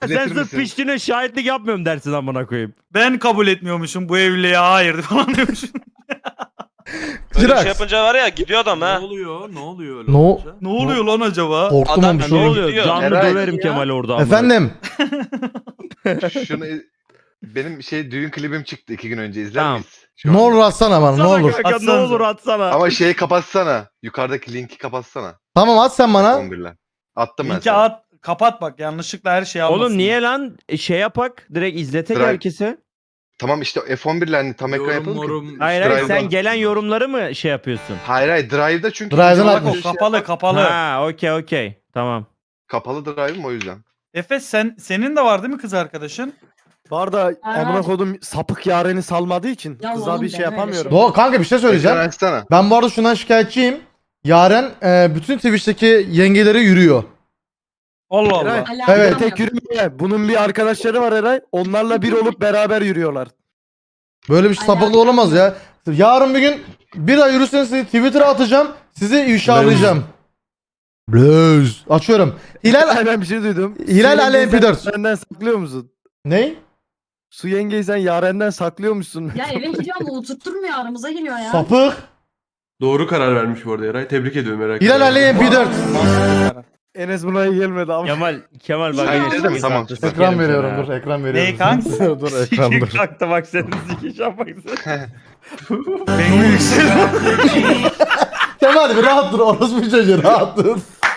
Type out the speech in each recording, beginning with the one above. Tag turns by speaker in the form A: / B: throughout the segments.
A: Sen
B: İzletir
A: sırf
B: misin?
A: piştiğine şahitlik yapmıyorum dersin amına koyayım.
C: Ben kabul etmiyormuşum bu evliliğe hayır falan diyormuşum.
D: Böyle bir
E: Jirax.
D: şey yapınca var ya gidiyor adam
F: Ne
D: ha.
F: oluyor? Ne oluyor öyle
E: No.
F: olunca?
C: Ne oluyor lan acaba?
E: Korktum
D: Adam
E: ama bir
A: Ne
E: şey oldu.
A: oluyor?
D: gidiyor.
A: Canlı
B: Eray.
A: döverim Kemal orada amına.
E: Efendim.
B: Şunu benim düğün klibim çıktı 2 gün önce izler
A: Tamam.
B: miyiz? Şu
E: Ne
B: anda.
E: olur atsana bana ne
A: Atsana
E: olur.
A: kanka, ne
C: Atsanıza.
A: olur atsana.
B: Ama şeyi kapatsana. Yukarıdaki linki kapatsana.
E: Tamam at sen bana.
B: 11'le. Attım ben
C: Linki
B: sana.
C: at kapat bak yanlışlıkla her şeyi almasın.
A: Oğlum niye lan şey yapak direkt izletek
B: Drive.
A: herkese.
B: Tamam işte F11'le hani tam ekran
F: Yorum
B: yapalım ki.
F: morum.
A: Hayır hayır
B: Drive'dan.
A: sen gelen yorumları mı şey yapıyorsun?
B: Hayır Drive'da çünkü.
E: Drive'dan
B: bizim
E: atmış.
B: şey-
C: Kapalı kapalı.
A: Ha okey tamam.
B: Kapalı Drive'ım o yüzden.
C: Efes senin de var değil mi kız arkadaşın?
G: Var da
H: Aynen.
G: amına kodum sapık yareni salmadığı için
H: Ya
G: kıza
H: oğlum
G: bir şey
H: deme öyle
G: yapamıyorum.
H: şey.
E: Doğru kanka bir şey söyleyeceğim.
B: Ekran açsana.
E: Ben bu arada şundan şikayetçiyim. Yaren bütün Twitch'teki yengelere yürüyor.
C: Allah Allah.
G: Eray,
H: Alakam
E: Evet.
H: yok.
G: Tek yürümüyor. Bunun bir arkadaşları var Eray. Onlarla bir olup beraber yürüyorlar.
E: Böyle bir sapıklık olamaz ya. Yarın bir gün bir ay yürürseniz sizi Twitter'a atacağım. Sizi ifşalayacağım. Blöz. Açıyorum. Hilal
G: Ben bir şey duydum.
E: Hilal
G: Su
E: Ali
G: yengeyi
E: MP4.
G: sen Yarenden saklıyor musun?
E: ne?
G: Su yengeyi sen yarenden saklıyormuşsun.
H: Ya eve gidiyor ama oturtturmuyor aramıza giriyor ya.
E: Sapık.
F: Doğru karar vermiş bu arada Eray. Tebrik ediyorum Eray.
E: Hilal Ali MP4.
G: Enes buna iyi gelmedi ama.
A: Kemal bak.
B: Sen
A: yine
B: izledin mi?
A: sekiz
B: Tamam.
A: saat
E: Ekran
A: sikerim
E: veriyorum
A: sana
E: dur
A: ya.
E: ekran veriyorum.
C: Neyi kanka?
E: dur ekran dur.
A: Kalktı bak senin sikiş yapaksın.
C: Benim yükseliyor.
E: Kemal bir rahat dur orospu çocuğu rahat dur.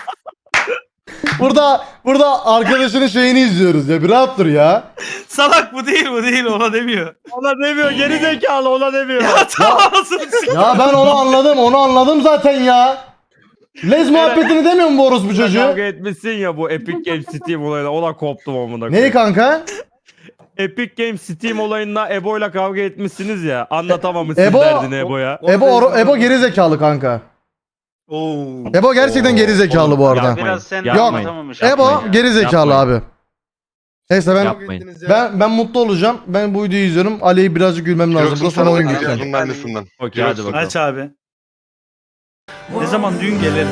E: Burada arkadaşının şeyini izliyoruz ya bir rahat dur ya.
C: Salak bu değil ona demiyor.
A: Ona demiyor geri zekalı ona demiyor.
C: Ya tamam anasını sikeyim.
E: Ya ben onu anladım zaten ya. Lez muhabbetini demiyor mu bu orospu çocuğu?
A: Kavga etmişsin ya bu Epic Games Steam olayına ona koptum amına
E: Neyi
A: koyayım.
E: kanka?
A: Epic Games Steam olayında Ebo'yla kavga etmişsiniz ya. Anlatamamışsın
E: Ebo-
A: derdini Ebo'ya.
E: Ebo geri zekalı kanka.
C: Oo.
E: Ebo gerçekten geri zekalı bu arada.
A: Yapmayın,
I: sen
A: yapmayın.
I: anlatamamış.
E: Ebo geri zekalı
A: Yapmayın.
E: abi. Neyse
A: Yapmayın.
E: ben mutlu olacağım. Ben bu videoyu izliyorum. Ali'yi birazcık gülmem lazım. Bu
B: Jirox'un
E: sonra
B: sana
E: oyun
B: oynayacağız
E: biter.
B: bunun annesinden.
A: Okey hadi
B: Jirox'un.
A: bakalım.
C: Aç abi. Ne zaman düğün gelelim?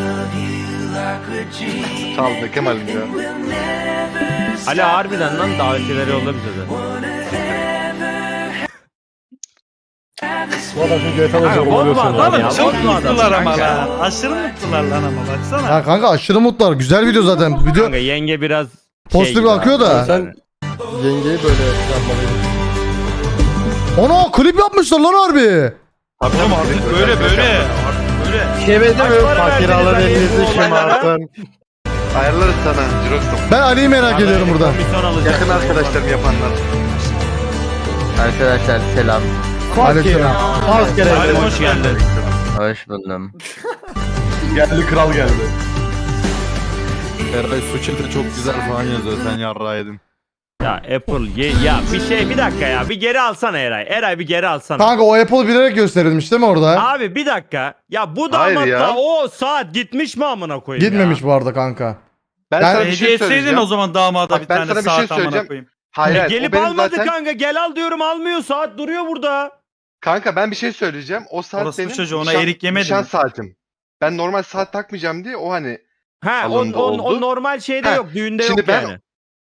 B: Çaldı Kemal'im ya.
A: Ali harbiden lan davetiyeleri yolla bize de.
E: Bu adam çünkü GTA
A: Kanka, bozma adam
C: Oğlum
A: ya.
C: çok
A: bozma adam
C: mutlular ama
A: kanka.
C: lan. Aşırı mutlular lan ama baksana.
E: Ya kanka aşırı mutlular. Güzel video zaten. Video
A: Kanka yenge biraz
E: pozitif
A: gibi
E: akıyor
A: abi.
E: da.
G: Sen yengeyi böyle yapmalıydın.
E: Ana klip yapmışlar lan harbi.
B: Abi
C: Oğlum artık böyle. Artık böyle.
G: Şevede
A: Kaç
G: mi?
A: para
G: Fakir
A: verdiniz
G: alın
A: Ali
G: elinizi
A: bu olaylara?
G: şımartın.
B: ayarlarız sana Jirox'um.
E: Ben Ali'yi merak ediyorum burada.
A: Komisyon alacak.
B: Yakın arkadaşlarım yapanlar.
J: Arkadaşlar selam.
E: Aleykümselam.
G: Az kere.
A: Ali hoş geldin.
J: Hoş buldum.
F: Geldi kral geldi.
K: Eray Suçil'de çok güzel falan yazıyor. Sen yarrağı yedin.
A: Ya Apple ya bir dakika ya bir geri alsana Eray. Eray bir geri alsana.
E: Kanka o Apple bilerek gösterilmiş değil mi orada?
A: Abi bir dakika. Ya bu
B: Hayır
A: damatla
B: ya.
A: o saat gitmiş mi amına koyayım
E: Gitmemiş
A: ya?
E: bu arada kanka.
B: Ben
E: Yani
B: sana bir
C: Hediye
B: şey
C: etseydin
B: söyleyeceğim.
C: o zaman damada
B: Bak,
C: bir
B: ben
C: tane
B: sana bir şey
C: saat amına
B: söyleyeceğim.
C: koyayım.
B: Hayır, hayır, o
A: Gelip
B: benim
A: almadı
B: zaten-
A: kanka gel al diyorum almıyor saat duruyor burada.
B: Kanka ben bir şey söyleyeceğim. O saat
C: Orası bu
B: benim
C: çocuğu, ona erik yemedi
B: nişan
C: mi?
B: saatim. Ben normal saat takmayacağım diye o hani.
A: Ha
B: Alındı,
A: o
B: oldu.
A: normal şeyde
B: Ha,
A: yok düğünde
B: şimdi
A: yok
B: ben-
A: yani.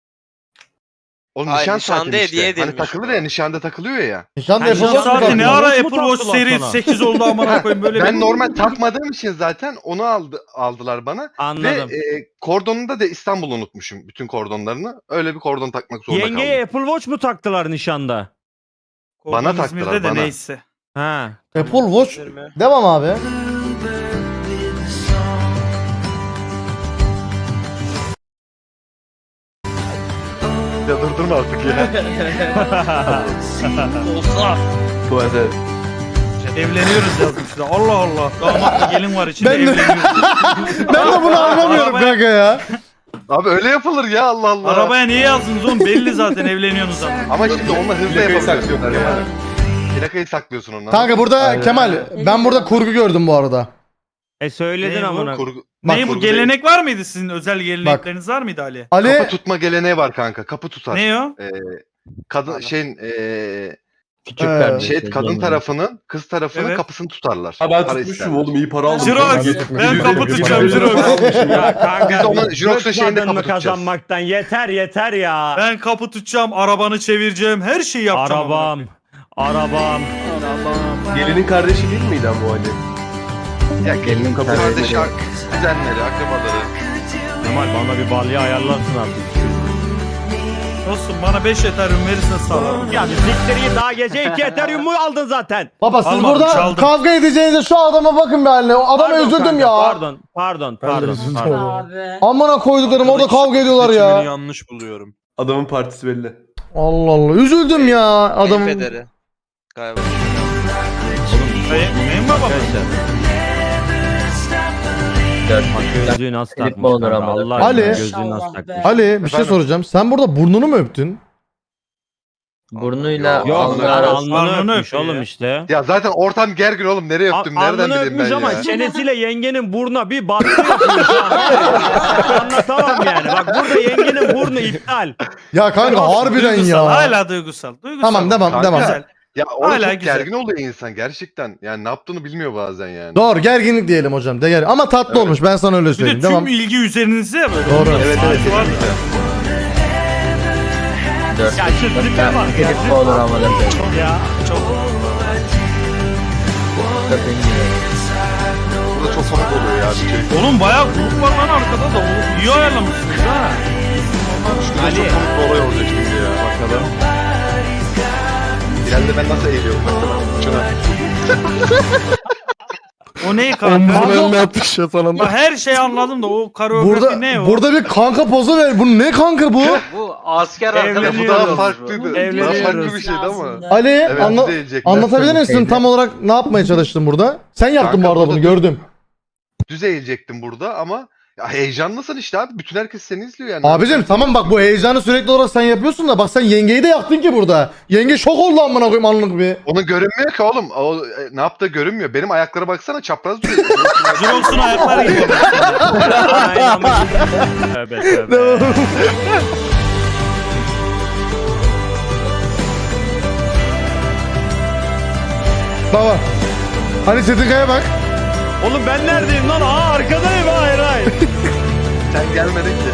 B: O
D: Hayır,
B: nişan
D: nişanda
B: saati
D: hediye
B: işte. Hani
D: edilmiş
B: takılır
D: bu.
B: ya nişanda takılıyor ya.
E: Nişanda
A: Ha,
E: Apple
A: nişan
E: Watch mı
C: Saati
E: takıyor?
C: ne ara
A: Watch mu
C: Apple Watch
A: taktılar
C: seri
A: sana?
C: 8 oldu amına koyayım böyle
B: Ben
C: bir-
B: normal takmadığım için zaten onu aldılar bana.
A: Anladım.
B: Ve kordonunda da İstanbul unutmuşum bütün kordonlarını. Öyle bir kordon takmak zorunda
A: Yengeye
B: kaldım.
A: Apple Watch mu taktılar nişanda?
B: Bana
C: Kordon
B: taktılar,
C: İzmir'de de
B: bana.
C: neyse.
A: Ha.
E: Apple Watch. Devam abi.
B: Ya durdurma artık ya.
C: Olsa.
F: Tuvalete.
C: Evleniyoruz yazmışlar. Allah Allah. Damatla gelin var içinde
E: Ben de-
C: evleniyoruz.
E: Ben de bunu anlamıyorum
C: Arabaya-
E: kanka ya.
B: Abi öyle yapılır ya Allah Allah.
C: Arabaya niye yazdınız oğlum? Belli zaten evleniyorsunuz zaten.
B: Ama şimdi onunla hızlı
F: Plakayı
B: yapabiliyorsun.
F: saklıyorlar
B: Kemal.
F: yani.
B: Plakayı saklıyorsun ondan.
E: Kanka burada Kemal ben burada kurgu gördüm bu arada.
A: Söyledin
C: Ne bu?
A: amına.
B: Kurgu.
C: Ne bu
B: kurgu
C: gelenek var mıydı sizin? Özel gelenekleriniz var mıydı Ali?
B: Kapı
E: Ali
B: tutma geleneği var kanka. Kapı tutar.
C: Ne o?
B: Kadın
E: Küçük kardeş.
B: Şey kadın tarafının kız tarafının
C: Evet.
B: kapısını tutarlar.
F: Ha ben
B: Para
F: tutmuşum
B: isterler.
F: oğlum iyi para aldım.
C: Jirox, ben kapı tutacağım Jirox.
A: Ya kanka.
B: Biz onun Jirox'un şeyinde
A: bıkmadın mı
B: kapı tutacağız.
A: kazanmaktan? Yeter ya.
C: Ben kapı tutacağım, arabanı çevireceğim, her şeyi yapacağım.
A: Arabam.
F: Gelinin kardeşi değil miydi ama o Ali?
B: Ya gelinin kardeşi, kuzenleri, akrabaları.
A: Kemal bana bir balya ayarlarsın artık.
C: Olsun bana 5 Ethereum verirsen sağlarım.
A: Ya bir siktir git, daha gece 2 Ethereum'u aldın zaten.
E: Baba siz
C: Almadım,
E: burada
C: çaldım.
E: kavga edeceğinize şu adama bakın be haline. O adama
A: Pardon
E: üzüldüm
A: kanka,
E: ya.
A: Pardon.
H: Abi.
E: Amına koyduklarım orada kavga ediyorlar ya.
F: yanlış buluyorum. Adamın partisi belli.
E: Allah Allah. Üzüldüm ya adamın.
D: Federi. Galiba.
C: Neyin baba?
A: Gözlüğü nasıl takmış
G: olur
A: kanka?
G: ama.
A: Allah aşkına
E: Ali.
A: gözlüğü nasıl
H: Allah
A: takmış?
H: be.
E: Ali bir şey soracağım. Sen burada burnunu mu öptün?
G: Burnuyla
B: Yok,
A: Yok
B: Alnını-
A: lan alnını
C: alnını
A: öpmüş
C: öpüyor
A: oğlum
C: ya.
A: işte.
B: Ya zaten ortam gergin oğlum. Nereye öptüm? Nereden
A: Alnını
B: bileyim
A: öpmüş
B: ben
A: ama
B: ya?
A: çenesiyle yengenin burnuna bir battı yapıyor şu an. Anlatamam yani. Bak burada yengenin burnu iptal.
E: Ya kanka harbiden
C: Duygusal,
E: ya.
C: hala duygusal.
E: Tamam devam
B: Kanka,
E: devam.
C: Güzel.
B: Ya orada
C: Hala
B: çok
C: güzel.
B: gergin oluyor insan gerçekten. Yani ne yaptığını bilmiyor bazen yani.
E: Doğru gerginlik diyelim hocam. De gergin. Ama tatlı olmuş ben sana öyle
C: Bir de
E: söyleyeyim.
C: tüm
E: Devam.
C: ilgi üzerinizde ya böyle.
E: Doğru.
B: Evet
C: Saati
B: evet.
C: var.
A: Ya şu tipe bak ya.
G: olur ama da.
A: Ya çok.
B: Burada çok komik oluyor ya. Bir şey.
C: Oğlum bayağı grup var lan arkada da. Oğlum iyi ayarlamışsınız ha.
B: Şurada çok komik bir olay olacak şimdi ya. Bakalım. İleride ben nasıl eğiliyorum mesela. Şuna.
C: O ne kanka?
G: önüne atış ya falan.
C: Ya her şeyi anladım da o koreografi ne o?
E: Burada bir kanka pozu ver. Bu ne kanka bu?
D: Bu asker
B: Ya bu
A: Evleniyoruz.
B: daha farklıydı. Daha
A: Evleniyoruz.
B: farklı bir şeydi ama.
E: Ali
B: Evet
E: anla-
B: bize eğilecekler.
E: anlatabilir misin tam olarak ne yapmaya çalıştın burada? Sen yaptın
B: Kanka
E: bu arada
B: burada
E: bunu gördüm.
B: Düz eğilecektim burada ama ya heyecanlısın işte abi. Bütün herkes seni izliyor yani.
E: Abicim tamam bak bu heyecanı sürekli olarak sen yapıyorsun da bak sen yengeyi de yaktın ki burada. Yenge şok oldu amına koyayım anlık bir.
B: Onu görünmüyor ki oğlum. O ne yaptığı görünmüyor. Benim ayaklara baksana çapraz duruyor.
C: Jirox'un ayakları gibi.
A: Aynen. Tövbe tövbe.
E: Baba. Hani Çetinkaya bak.
A: Oğlum ben neredeyim lan? Aa arkadayım hayır.
B: Sen gelmedin ki.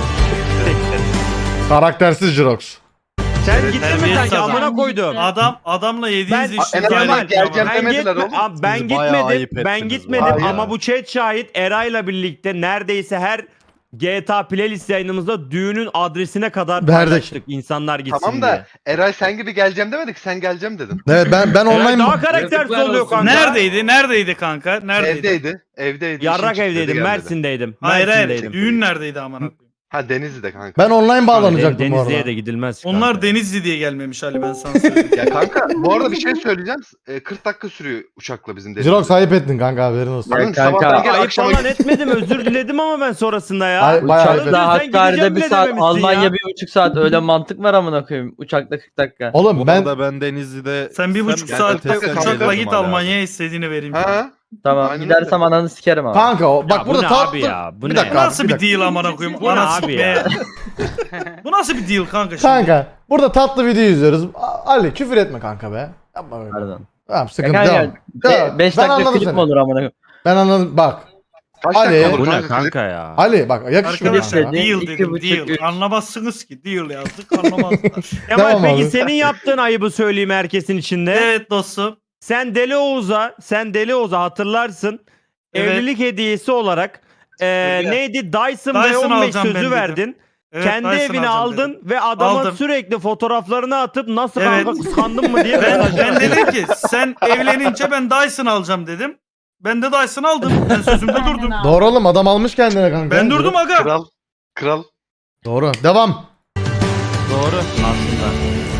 E: Karaktersiz Jirox.
A: Sen gittin mi
C: Terbiyesiz
A: sanki
C: adam.
A: amına koydum.
C: Adamla yediğiniz
A: Ben-
C: işin
B: en azından
C: gayret
B: geleceğim
C: ama.
B: demediler oğlum.
A: Abi ben
K: Siz bayağı ayıp
A: gitmedim. Ben
K: ettiniz
A: gitmedim
B: vallahi.
A: ama bu chat şahit Eray'la birlikte neredeyse her GTA playlist yayınımızda düğünün adresine kadar
E: Verdik.
A: paylaştık insanlar gitsin
B: Tamam
A: diye.
B: da Eray sen gibi geleceğim demedik. Sen geleceğim dedin.
E: Evet ben
A: Eray
E: online
A: daha karaktersiz oluyor kanka.
C: Neredeydi kanka? Neredeydi?
B: Evdeydi. Evdeydi.
A: Yarrak
B: işin çıktı,
A: evdeydim,
B: gelmedi.
A: Mersin'deydim.
C: Hayır
A: Mersin'deydim.
C: düğün neredeydi amına koyayım?
B: Ha Denizli'de kanka.
E: ben online bağlanacaktım bu
A: Denizli'ye
E: arada.
A: de gidilmez. kanka.
C: Onlar Denizli diye gelmemiş Ali ben sana söyleyeyim.
B: Ya kanka bu arada bir şey söyleyeceğim. 40 dakika sürüyor uçakla bizim Denizli'de.
E: Jirox ayıp ettin kanka haberin olsun.
B: Lan
G: kanka,
B: sabahtan gel
A: Ayıp
B: akşama
A: falan etmedim özür diledim ama ben sonrasında ya.
E: Ay, bayağı ayıp ettin.
A: Sen
G: Hakkari'de
A: gideceğim
G: bir
A: bile
G: saat,
A: dememişsin
G: Almanya
A: ya.
G: 1,5 saat. Öyle mantık var amına koyayım. Uçakta 40 dakika.
E: Oğlum
K: Bu
E: ben
K: arada ben Denizli'de...
C: Sen 1,5
B: Yani
C: saatte
B: test
C: uçakla
B: edelim
C: git Almanya'ya istediğini vereyim.
B: Ha?
G: Tamam
B: Aynen
G: gidersem ananı sikerim ama.
E: kanka o bak
A: Ya bu
E: burada
A: ne
E: tatlı.
A: abi ya? Bu
E: bir
A: ne?
E: dakika
C: Bu
E: abi,
C: nasıl
E: bir
C: bir
E: dakika.
C: deal amına koyayım?
A: Bu ne
C: Anası
A: abi
C: be.
A: ya?
C: Bu nasıl bir deal kanka şimdi?
E: Kanka burada tatlı video izliyoruz. Ali küfür etme kanka be. Yapma böyle.
G: Pardon.
E: Tamam
G: Ya
E: sıkıntı
G: kanka,
E: devam. Ya,
G: 5
E: ben
G: dakika
E: anladım
G: klip mi
E: seni.
G: olur amına koyayım?
E: Ben anladım bak.
B: Kaç
E: Ali,
B: dakika olur
A: Bu ne
B: kanka?
A: kanka ya?
E: Ali bak yakışmıyor
C: Arkadaşlar
E: kanka.
C: deal
G: İki
C: dedim
G: buçuk,
C: deal.
G: üç.
C: Anlamazsınız ki deal yazdık anlamazlar.
A: Kemal
E: Tamam
A: peki
E: abi.
A: senin yaptığın ayıbı söyleyeyim herkesin içinde.
C: Evet dostum.
A: Sen Deli Oğuz'a hatırlarsın.
C: Evet.
A: Evlilik hediyesi olarak neydi? Dyson
C: Dyson
A: V15
C: alacağım ben
A: sözü
C: dedim.
A: verdin.
C: Evet,
A: Kendi
C: Dyson
A: evine
C: alacağım
A: aldın
C: dedim.
A: ve adama
C: Aldım.
A: sürekli fotoğraflarını atıp nasıl
C: Evet.
A: kanka kıskandın mı diye
C: Ben
A: mesaj
C: dedim ki sen evlenince ben Dyson alacağım dedim. Ben de Dyson aldım. Ben sözümde durdum.
E: Doğru oğlum adam almış kendine kanka.
C: Ben durdum aga.
B: Kral.
E: Doğru. Devam.
A: Doğru aslında.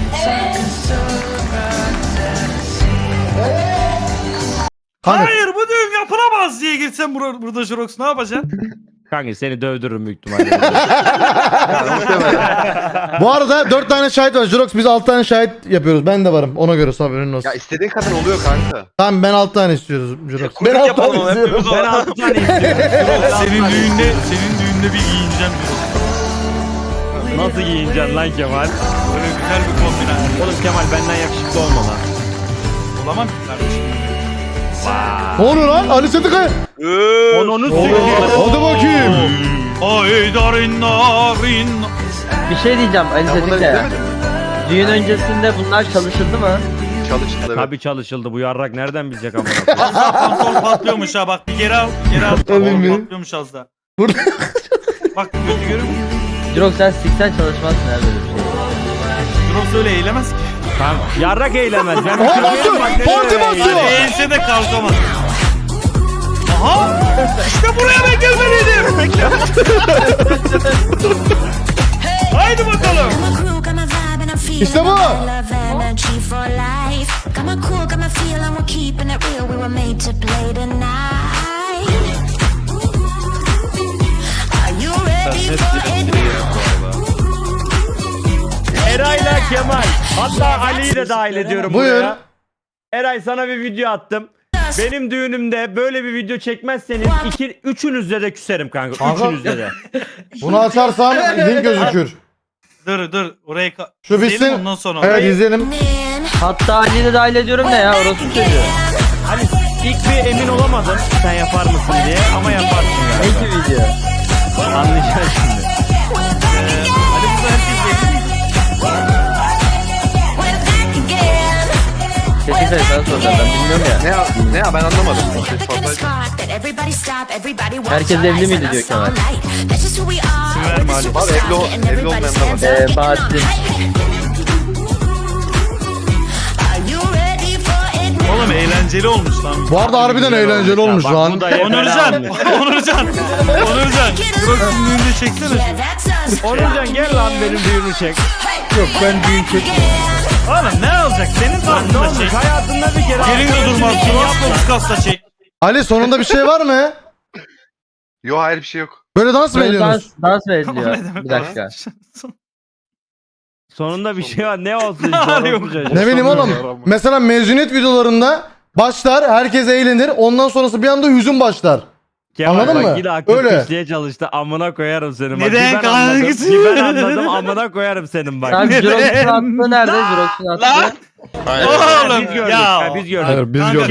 E: Kanka
C: Hayır bu düğün yapılamaz diye girsen burada Jirox ne yapacaksın?
A: Kanka seni dövdürürüm büyük ihtimalle.
E: bu arada 4 tane şahit var. Jirox biz 6 tane şahit yapıyoruz. Ben de varım. Ona göre haberin olsun.
B: Ya istediğin kadar oluyor kanka.
E: Tamam ben 6 tane istiyoruz Jirox. Ben
D: Kuyruk
E: 6
D: yapalım
E: tane
D: ama
E: istiyorum.
D: hepimiz
A: Ben
D: o.
A: 6 tane istiyorum.
C: senin düğünde bir giyineceğim Jirox.
A: Nasıl giyineceksin lan Kemal?
C: Böyle güzel bir kombine.
A: Oğlum Kemal benden yakışıklı olma lan.
C: Bulamam ki kardeşim.
E: Ne oluyor lan? Ali Setikaya.
A: Onu
E: Hadi bakayım.
C: Ay darin narin.
I: Bir şey diyeceğim Ali
B: Ben bunları
I: Setikaya.
B: izlemedim.
I: Düğün öncesinde bunlar çalışıldı mı?
B: Çalıştı evet.
A: Tabii çalışıldı. Bu yarrak nereden bilecek ama?
C: Az daha pantolon patlıyormuş ha bak bir geri al. Geri al.
E: Emin mi?
C: Patlıyormuş az daha.
E: Burada-
C: Bak kötü görüyor musun?
I: Jirok sen siksen çalışmazsın her böyle bir şey.
C: Drops öyle eğilemez ki.
A: Yarrak eylemez. Ben bir
E: Aha,
A: şey
E: basıyor.
A: bak, nereye
E: Parti
A: eylemez?
E: basıyor.
C: Eğilse de kalkamaz. Aha! İşte buraya ben gelmeliydim. Bekle. Haydi bakalım.
E: İşte bu.
A: Eray'la Kemal. Hatta Ali'yi de dahil ediyorum
E: Buyur.
A: buraya. Eray sana bir video attım. Benim düğünümde böyle bir video çekmezseniz üçünüzle de küserim kanka.
E: Kanka-
A: Üçünüzle de.
E: Bunu açarsam link gözükür.
C: Dur orayı
E: Şu
C: izleyelim,
E: bitsin.
C: ondan sonra.
E: Evet izleyelim.
I: Hatta Ali'yi de dahil ediyorum ne ya orası çocuğu.
A: Hani ilk bir emin olamadım sen yapar mısın diye ama yaparsın
I: Ne
A: galiba.
I: ki video?
A: Anlayacaksın şimdi.
C: Hadi burada herkes geldi.
I: Setikaya sana soracağım ben bilmiyorum ya.
B: Ne ya ben anlamadım. Ses fazlaydı.
I: Herkes evli miydi diyor Kemal.
C: verme Ali.
B: Var, evli olmayan da var.
I: Bahattin.
C: Oğlum eğlenceli olmuş lan.
E: Bu arada harbiden eğlenceli olmuş
A: Bak,
E: lan.
A: bu da yeter
C: Onurcan.
A: abi.
C: Onurcan. Drogs'un düğünde çeksene.
A: Onurcan gel lan benim düğünü çek.
C: Oğlum ne olacak? Senin
A: Ne
C: tarzında
A: olmuş
C: çek.
A: hayatında bir kere.
C: Gelin de durmaz. Drogs kasta çek.
E: Ali sonunda bir şey var mı?
B: Yo hayır bir şey yok.
E: Böyle dans mı
I: Böyle
E: ediyorsunuz?
I: dans mı
C: O
I: ediliyor?
C: ne demek
I: Bir dakika.
A: Sonunda bir şey var. Ne olsun işte.
C: Yok.
A: orospu çocuğu.
E: Ne bileyim oğlum. Mesela mezuniyet videolarında başlar, herkes eğlenir. Ondan sonrası bir anda hüzün başlar.
A: Kemal
E: Anladın
A: bak
E: mı?
A: yine aklın
E: Öyle.
A: pişliğe çalıştı. Amına koyarım senin. Bak,
C: Neden
A: bir ben anladım.
C: kankası?
A: Bir ben anladım. Amına koyarım senin bak.
I: Tamam Jirox'un attığı nerede? Jirox'un attığı.
C: Oğlum
A: Biz gördük.
C: ya.
A: Ha, biz gördük.
E: Hayır, biz
C: Kanka,
E: gördük.